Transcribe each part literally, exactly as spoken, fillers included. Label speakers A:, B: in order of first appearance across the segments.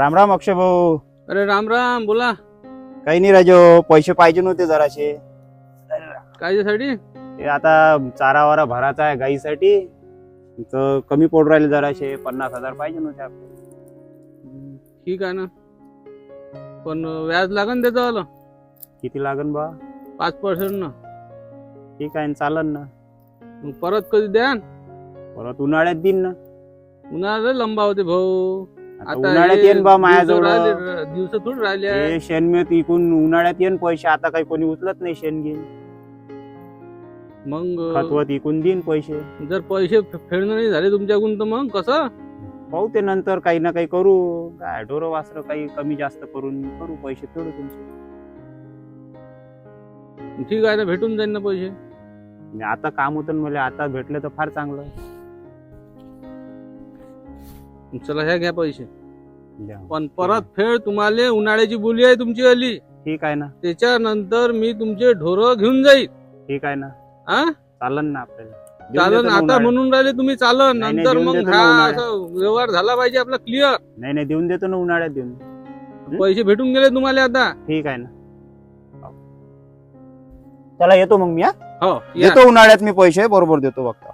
A: राम राम अक्षय भाऊ.
B: अरे राम राम, बोला.
A: काही नाही राजो, पैसे पाहिजे नव्हते जराशे.
B: कायच्यासाठी?
A: हे आता चारा वारा भराचा आहे गाईसाठी, तर कमी पडू राहिले जराशे. पन्नास हजार पाहिजे नव्हते आपल्याला.
B: ठीक आहे ना, पण व्याज लागन त्याचं आलं
A: किती लागन बा?
B: पाच पर्सेंट ना.
A: ठीक आहे, चालन ना.
B: मग परत कधी द्या?
A: परत उन्हाळ्यात देईन ना.
B: उन्हाळा लंबा होते भाऊ.
A: आता उन्हाळ्यात येईन बा माझ्याजवळ.
B: दिवस थोडी राहिले.
A: हे शेणमेत इकून उन्हाळ्यात येईन पैसे. आता काही कोणी उचलत नाही शेण घेईन.
B: मग
A: खतवत इकून देईन पैसे.
B: जर पैसे फेडणं नाही झाले तुमच्याकडून तर मग कसं?
A: पाहू ते नंतर, काही ना काही करू. काय ढोरं वासरं काही कमी जास्त करून करू, पैसे फेडू तुमचे.
B: ठीक आहे ना, भेटून जाईल ना पैसे.
A: आता काम होतं ना मला, आता भेटले तर फार चांगलं.
B: चला ह्या घ्या पैसे,
A: द्या.
B: पण परत फेड. तुम्हाला उन्हाळ्याची बोली आहे तुमची आली.
A: ठीक आहे ना.
B: त्याच्यानंतर मी तुमचे ढोरं घेऊन जाईल.
A: ठीक आहे ना.
B: हा,
A: चालन ना आपल्याला. देऊन
B: चालन.
A: देतो ना
B: आता
A: उन्हाळ्यात.
B: म्हणून राहिले तुम्ही चालन,
A: नाही,
B: नंतर
A: देऊन
B: मग
A: देतो ना
B: हा
A: उन्हाळ्यात.
B: असं व्यवहार झाला पाहिजे आपला क्लिअर.
A: नाही नाही, देऊन देतो ना उन्हाळ्यात. देऊन
B: पैसे भेटून गेले तुम्हाला आता.
A: ठीक आहे ना. चला येतो मग मी. हा,
B: हो या.
A: देतो उन्हाळ्यात मी पैसे बरोबर देतो बघता.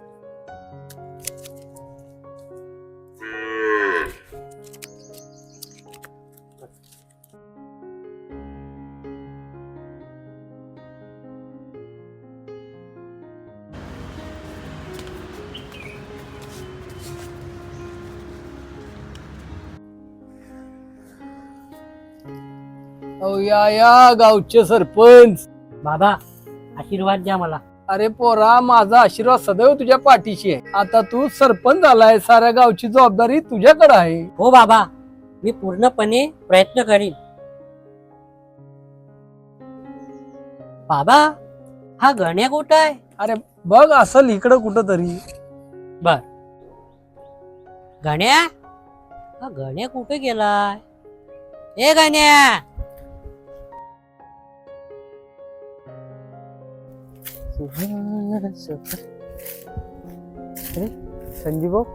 C: अहो या या गावचे सरपंच.
D: बाबा आशीर्वाद द्या मला.
C: अरे पोरा, माझा आशीर्वाद सदैव तुझ्या पाठीशी आहे. आता तू सरपंच झालाय, साऱ्या गावची जबाबदारी तुझ्याकडे आहे.
D: हो बाबा, मी पूर्णपणे प्रयत्न करीन. बाबा, हा गण्या कुठं आहे?
C: अरे बघ, असल इकडं कुठं तरी.
D: बर, गण्या, हा गण्या कुठे गेलाय? ए गण्या.
C: अरे संजीव भाऊ,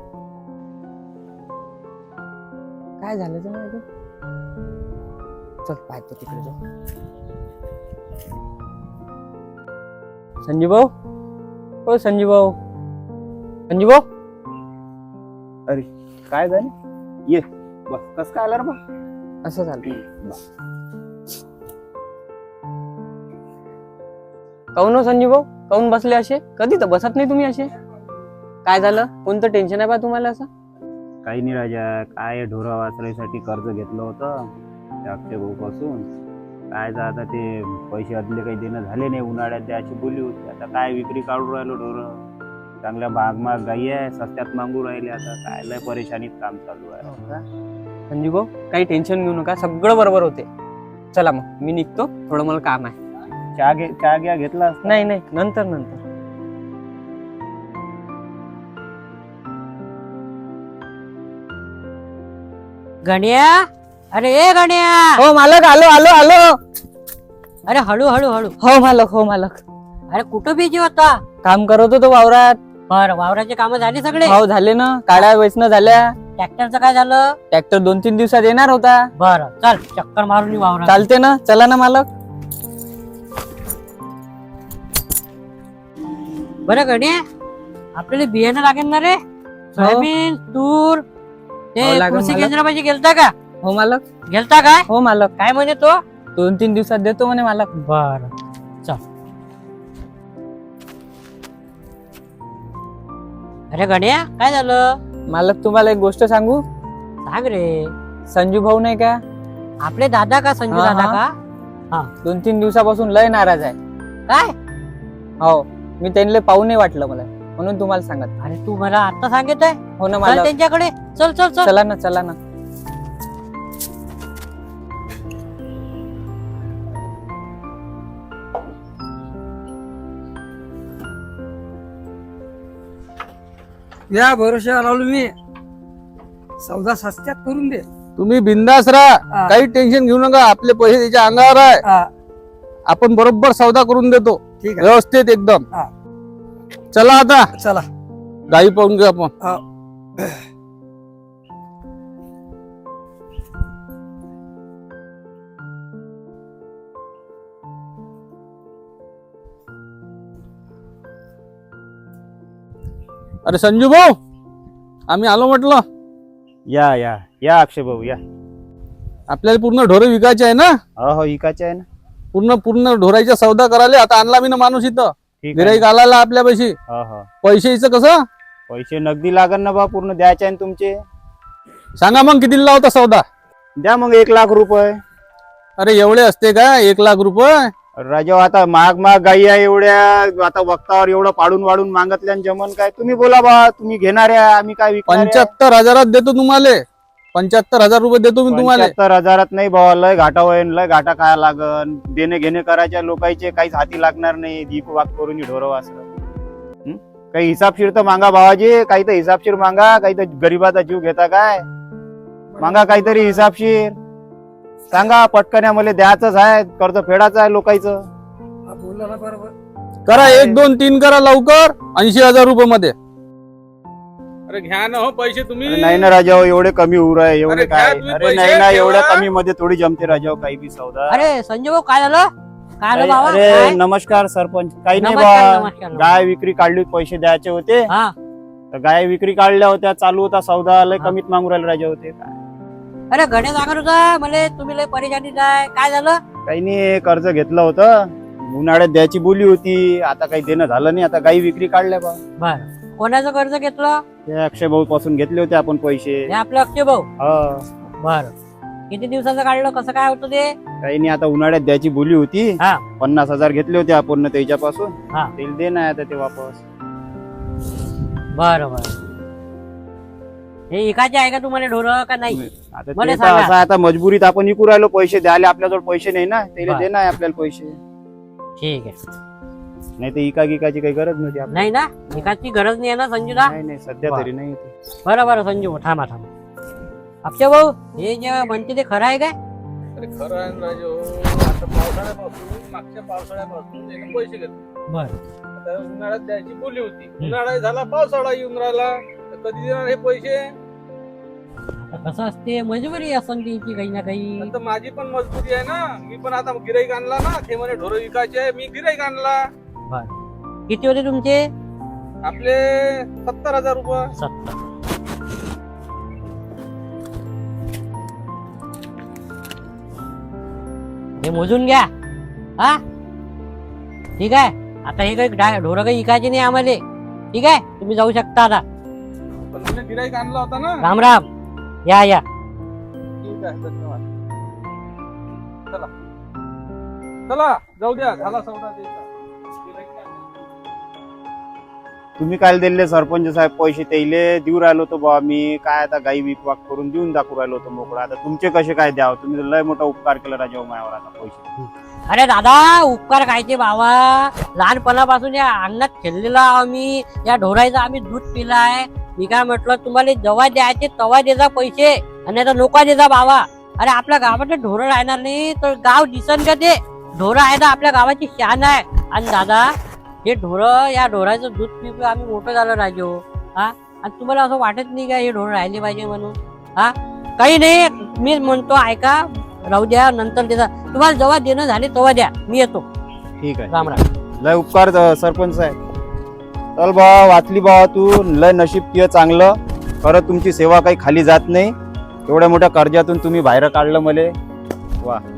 C: काय झालं ते माहिती? चल पाहतो तिकडे जाऊ. संजीव भाऊ, हो संजीव भाऊ. संजीव भाऊ,
A: अरे काय झालं? ये बस. कस काय आला रे बा?
C: असं झालं. काऊन हो संजीव भाऊ, काऊन बसले असे? कधी तर बसत नाही तुम्ही असे. काय झालं? कोणतं टेन्शन आहे बा तुम्हाला असं?
A: काही नाही राजा, काय ढोरा वाचण्यासाठी कर्ज घेतलं होतं त्या अक्षय भाऊ पासून. काय जा आता ते पैसे अदले काही देणं झाले नाही. उन्हाळ्यात द्यायची बोली होती. आता काय विक्री काढून राहिलो ढोरं. चांगल्या भाग माग गाई आहे, सस्त्यात मागू राहिले. आता काय लय परेशानीत काम चालू आहे.
C: संजीव भाऊ, काही टेन्शन घेऊ नका, सगळं बरोबर होते. चला मग मी निघतो, थोडं मला काम आहे.
A: चहा घे, चहा घ्या घेतला असता.
C: नाही नाही, नंतर नंतर.
D: गण्या, अरे ए गण्या.
C: हो मालक, आलो आलो आलो.
D: अरे हळू हळू हळू.
C: हो मालक, हो मालक.
D: अरे कुठं बिजी होता?
C: काम करत होतो वावरात.
D: बर, वावराचे काम झाले सगळे?
C: हो झाले ना, काड्या वेचणं झाल्या.
D: ट्रॅक्टरचं काय झालं?
C: ट्रॅक्टर दोन तीन दिवसात येणार होता.
D: बर, चल चक्कर मारून येऊ वावरात.
C: चालते ना, चला ना मालक.
D: बरं गण्या, आपल्याला बियाणं लागेल ना रे? सोयाबीन, तूर. ते
C: हो, लागेल
D: कृषी
C: मला.
D: केंद्रापाशी गेलता का?
C: हो मालक.
D: गेलता काय?
C: हो मालक.
D: काय म्हणे तो?
C: दोन तीन दिवसात देतो म्हणे मालक.
D: बर, चल. अरे गण्या, काय झालं?
C: मालक तुम्हाला एक गोष्ट सांगू?
D: सांग रे.
C: संजू भाऊ नाही का,
D: आपले दादा का? संजू
C: हा,
D: दादा
C: हा.
D: का?
C: दोन तीन दिवसापासून लय नाराज आहे.
D: काय?
C: हो, मी त्यांना पाहू नाही वाटलं मला, म्हणून तुम्हाला सांगत.
D: अरे तू मला आता सांगत आहे?
C: हो ना
D: चल
C: मालक.
D: त्यांच्याकडे. चल चल चल.
C: चला ना, चला ना.
E: या भरोश्यावर आलो मी. सौदा सस्त्यात करून दे.
B: तुम्ही बिंदास राहा,
E: हा.
B: काही टेन्शन घेऊ नका. आपले पैसे त्याच्या अंगावर आहे.
E: हा,
B: आपण बरोबर सौदा करून देतो,
E: ठीक आहे.
B: व्यवस्थित एकदम.
E: हा.
B: चला आता
E: चला.
B: गाई पाहून घेऊ आपण.
E: हा.
B: अरे संजू भाऊ, आम्ही आलो म्हटलं.
A: या या या अक्षय भाऊ या.
B: आपल्याला पूर्ण ढोरं विकायचे आहे ना,
A: हो हो इकाचे आहे ना.
B: पूर्ण पूर्ण ढोरायचा सौदा करायला. आता आणला मी ना माणूस इथं,
A: ठीक आहे.
B: गिराईक आला आपल्यापाशी.
A: हो हो
B: पैशाचं कसं
A: पैसे नगदी लागन ना बा, पूर्ण द्यायचे आहे ना तुमचे.
B: सांगा मग किती लावता सौदा.
A: द्या मग एक लाख रुपये.
B: अरे एवढे असते का एक लाख रुपये?
A: राजा आता महाग महाग गाई आहे एवढ्या, आता वक्तावर एवढं पाडून वाढून मागतल्या जमन काय. तुम्ही बोला बा, तुम्ही घेणाऱ्या आम्ही काय विकणार आहे?
B: पंच्याहत्तर हजारात देतो तुम्हाला. पंच्याहत्तर हजार रुपये देतो मी तुम्हाला.
A: पंच्याहत्तर हजारात नाही भावा, लय घाटा होईल, लय घाटा काय लागन. देणे घेणे करायच्या लोकांचे काहीच हाती लागणार नाही. दीप वाक करून ढोरं वाचलं. काही हिसाबशीर तर मागा भावाजी, काही तर हिसाबशीर मागा. काही तर गरीबाचा जीव घेता काय? मागा काहीतरी हिसाबशीर. सांगा पटकन, मला द्यायचंच आहे, कर्ज फेडायचं आहे लोकांचं.
E: हा बोलला ना बरोबर.
B: करा एक दोन तीन करा लवकर. ऐंशी हजार रुपये मध्ये. अरे घ्या ना हो पैसे तुम्ही.
A: अरे नाही ना राजा, एवढे कमी होऊ राय एवढे
B: अरे
A: काय.
B: घ्या तुम्ही
A: अरे
B: पैसे,
A: नाही ना, एवढ्या
B: ठेवा.
A: कमी मध्ये थोडी जमते राजा काही बी सौदा.
D: अरे संजय भाऊ काय झालं? काय झालं
A: अरे
D: बाबा?
A: अरे,
D: काय?
A: नमस्कार सरपंच. काही नाही
D: नमस्कार,
A: बा,
D: नमस्कार, नमस्कार.
A: गाय विक्री काढली, पैसे द्यायचे होते.
D: हा.
A: तर गाय विक्री काढल्या होत्या, चालू होता सौदा, लय
D: हा.
A: कमीत मागू राहिले राजा होते. काय
D: अरे गणे सांगत होता मला तुम्ही लय परेशानीत आहे. काय झालं?
A: काही नाही, कर्ज घेतलं होतं, उन्हाळ्यात द्यायची बोली होती. आता काही देणं झालं नाही. आता गाई विक्री काढल्या बा.
D: बर, कोणाचं कर्ज घेतलं?
A: ते अक्षय भाऊ पासून घेतले होते आपण पैसे.
D: हे आपलं अक्षय भाऊ.
A: हा.
D: बर, किती दिवसाचं काढलं, कसं काय होतं ते?
A: काही नाही, आता उन्हाळ्यात द्यायची बोली होती.
D: हा.
A: पन्नास हजार घेतले होते आपण त्याच्यापासून.
D: हा.
A: ते देणं आहे आता ते वापस.
D: बर बर, हे इकायचे आहे का तुम्हाला ढोर का नाही?
A: आता
D: मला
A: ते तर
D: सांगा.
A: असं आहे, आता मजबुरीत आपण इकू राहिलो, पैसे द्यायला आपल्याजवळ पैसे नाही ना, त्याला
D: बर.
A: देणं आहे आपल्याला पैसे.
D: ठीक आहे.
A: नाही तर इका गिकाची काही गरज नव्हती आपल्याला.
D: नाही ना, इकायची गरज नाही आहे ना संजूला?
A: नाही नाही, सध्या
D: बर.
A: तरी नाही होती.
D: बरं बरं संजू भाऊ, थांबा थांबा. अक्षय भाऊ, हे जे म्हणते ते खरं आहे काय?
B: अरे खरं आहे ना राजू. आता पावसाळ्यापासून मागच्या पावसाळ्यापासून त्याने पैसे घेतले.
D: बर.
B: आता उन्हाळ्यात द्यायची बोली होती. उन्हाळा झाला, पावसाळा येऊन राहिला, तर कधी देणार हे पैसे?
D: आता कसं असते, मजबुरी असं त्यांची काही ना काही.
B: आता माझी पण मजबुरी आहे ना. मी पण आता गिराईक आणला ना, ते म्हणे ढोरं विकायचे आहे, मी गिराईक आणला.
D: किती होते तुमचे?
B: आपले सत्तर हजार रुपये.
D: सत्तर. हे मोजून घ्या. हा, ठीक आहे. आता हे काही ढोरं काही इकायचे नाही आम्हाला. ठीक आहे, तुम्ही जाऊ शकता आता.
B: पण मी गिराईक आणला होता ना.
D: राम राम. या या.
B: ठीक आहे, धन्यवाद. चला चला जाऊ द्या, झाला सौदा द्यायचा.
A: तुम्ही काय दिले सरपंच साहेब पैसे? त्याले देऊ राहिलो होतो बा मी. काय आता गाई विक वाक करून देऊन दाखवू राहिलो होतो मोकळा. आता तुमचे कसे काय द्यावं? तुम्ही तर लय मोठा उपकार केला राजा मायावर. आता पैसे
D: अरे दादा, उपकार खायचे बाबा. लहानपणापासून या अंगणात खेळलेला आम्ही, या ढोरायचं आम्ही दूध पिलाय. मी काय म्हटलं, तुम्हाला जेव्हा द्यायचे तेव्हा देजा पैसे, आणि आता नोका देजा बाबा. अरे आपल्या गावातले ढोरं राहणार नाही तर गाव दिसन का ते? ढोरं आहे ना, आपल्या गावाची शान आहे. आणि दादा, हे ढोरं, या ढोराचं दूध पिऊ आम्ही मोठं झालं राजो. हा, आणि तुम्हाला असं वाटत नाही का हे ढोरं राहिले पाहिजे म्हणून? हा, काही नाही, मी म्हणतो ऐका, राहू द्या, नंतर देता. तुम्हाला जेव्हा देणं झाले तेव्हा द्या, मी येतो.
A: ठीक आहे.
D: राम राम.
A: लय उपकार सरपंच साहेब. चल बा, वाचली बा तू. लय नशीब तुझं चांगलं. खरं तुमची सेवा काही खाली जात नाही. एवढ्या मोठ्या कर्जातून तुम्ही बाहेर काढलं मले. वा.